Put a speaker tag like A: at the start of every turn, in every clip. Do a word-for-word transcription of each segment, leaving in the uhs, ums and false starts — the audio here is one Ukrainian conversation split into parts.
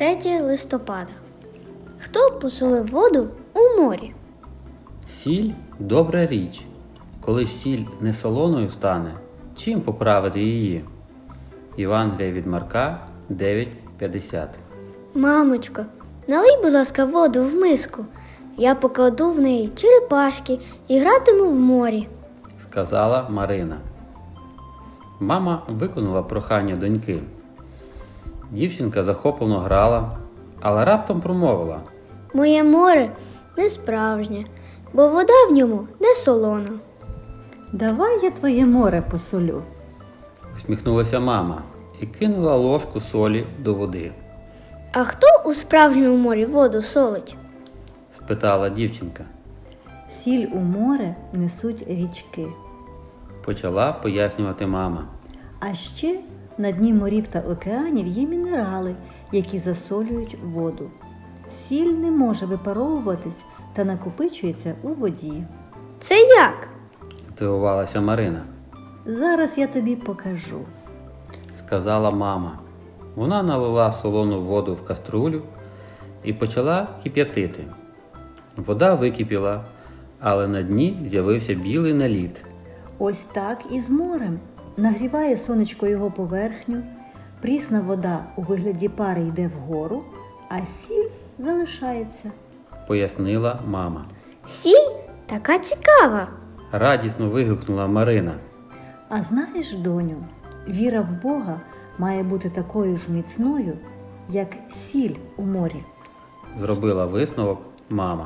A: третє листопада. Хто посолив воду у морі?
B: Сіль – добра річ. Коли ж сіль не солоною стане, чим поправити її? Євангелія від Марка дев'ять п'ятдесят.
A: Мамочко, налий, будь ласка, воду в миску. Я покладу в неї черепашки і гратиму в морі.
B: Сказала Марина. Мама виконала прохання доньки. Дівчинка захоплено грала, але раптом промовила.
A: Моє море не справжнє, бо вода в ньому не солона.
C: Давай я твоє море посолю.
B: Усміхнулася мама і кинула ложку солі до води.
A: А хто у справжньому морі воду солить?
B: Спитала дівчинка.
C: Сіль у море несуть річки.
B: Почала пояснювати мама.
C: А ще на дні морів та океанів є мінерали, які засолюють воду. Сіль не може випаровуватись та накопичується у воді.
A: Це як?
B: Здивувалася Марина.
C: Зараз я тобі покажу.
B: Сказала мама. Вона налила солону воду в каструлю і почала кип'ятити. Вода википіла, але на дні з'явився білий наліт.
C: Ось так і з морем. Нагріває сонечко його поверхню, прісна вода у вигляді пари йде вгору, а сіль залишається.
B: Пояснила мама.
A: Сіль така цікава.
B: Радісно вигукнула Марина.
C: А знаєш, доню, віра в Бога має бути такою ж міцною, як сіль у морі.
B: Зробила висновок мама.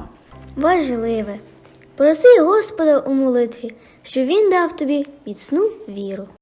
A: Важливе. Проси Господа у молитві, щоб він дав тобі міцну віру.